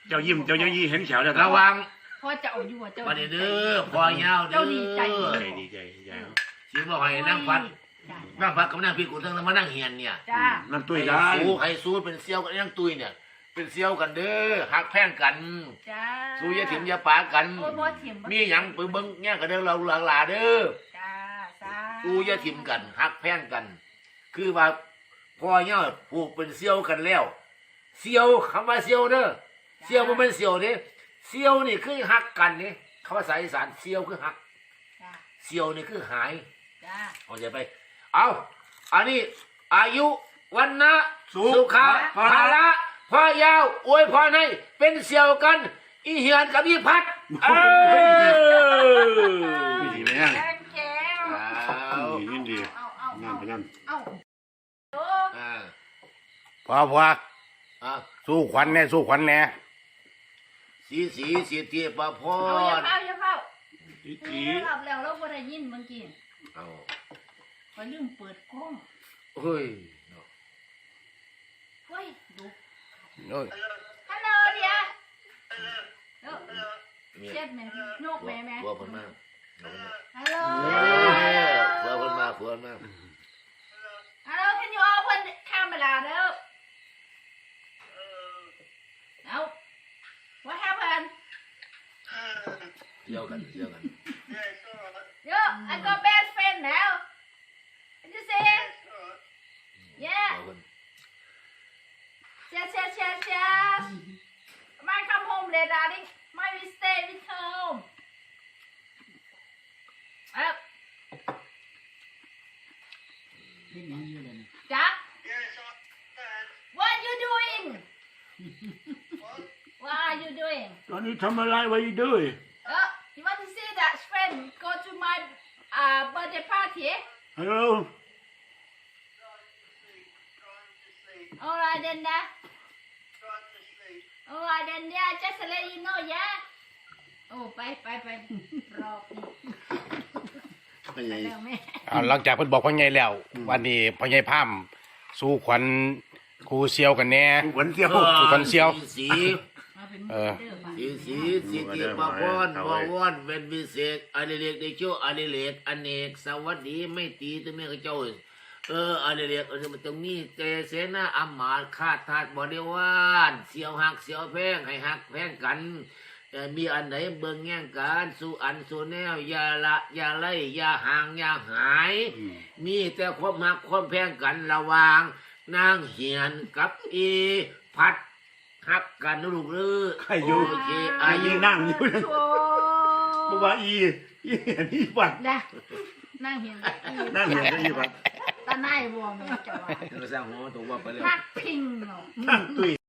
เจ้ายิ้มเจ้ายี่เห็นแขวแล้วระวังพ่อจะเอาอยู่เจ้าวันนี้เด้อพอยาวเด้อดีใจดีใจชีบอกให้นั่งฟัดกับนั่งพี่กูทั้งมานั่งเฮียนเนี่ยจ้านั่นตุ้ยได้ใครสู้เป็นเซี่ยวกันนั่งตุ้ยเนี่ยเป็นเซี่ยวกันเด้อหักแพงกันจ้าสู้ยาถิ่มยาป่ากันโอ้ยพ่อเถียมมีหยังไปเบิ้งเนี่ยกันเด้อเราหลาเด้อจ้าจ้าสู้ยาถิ่มกันหักแพงกัน คือว่าพ่อเนี่ยผูกเป็นเซี่ยวกันแล้วเซี่ยวคำว่าเซี่ยวเด้อเซี่ยวมันเป็นเซี่ยวเด้เซี่ยวนี่คือหักกันนี่คำภาษาอีสานเซี่ยวคือหักจ้าเซี่ยวนี่คือหายจ้าเอาใจไปเอาอันนี้อายุวันนะสุขะภาระพ่อยาวอวยพรให้เป็นเซี่ยวกันอีเหียนกับอีพัดดีไหมอ่ะแก้วแก้วยินดีเอานั่นไปนั่นเอาโอ้พอสู้ขวัญแน่สู้ขวัญแน่สีสิทธิประพเอาอย่าร เฝ้าอย่าเฝ้าอีหลับแล้วเราบ่ได้ยินเมื่อกี้เอาก็ลืมเปิดกล้องเฮ้ยเฮ้ยดูโอ้ยฮัลโหลเดียเจ็ดแม่นกแม่แม่ผัวคนมากฮัลโหลผัวคนมากผัวคนมากฮัลโหล can you open the camera เด้อเอา what happened เที่ยวกัน yo I got best friend now what you say yeah yes my come home late darling my we stay with home จ๊ะ what you doing what are you doing ตอนนี้ทำอะไรไว้ด้วย you want to see that friend go to my birthday party Hello alright then alright then yeah just to let you know yeah โอ้ไปรอไปแล้วแม่เอาหลังจากเพิ่นบอกพ่อใหญ่แล้ว วันนี้พ่อใหญ่พามสู้ขวัญครูเซียวกันแน่ขวัญเที่ยวคนเซี่ยวสีมาเป็นสิทธิประพรวาวอนเป็นวิเศษอดิเรกได้ชั่วอดิเรกอเนกสวัสดีไม่ตีตัวแม่ข้าเจ้าอดิเรกมันต้องมีเจเสนาอำมาตย์ข้าทาสบริวารเสียวหักเสียวแพงให้หักแพงกันมีอันไหนเบิ่งแย่งกันสู่อันสู่แนวอย่าละอย่าไล่อย่าห่างอย่าหาย มีแต่ความหักความแพงกันระหว่างนางเหียนกับอีพัดหักกันลูกเลือใครอยู่โอเคอายุนั่งอยู่นะเพราะว่าอีนี่บัดนั่งเห็นนั่งเห็นอีบัดตาหน้าวัวแม่จะว่าเราสร้างหัวตัวว่าไปเลยพักพิงเนาะนั่งตุ้ย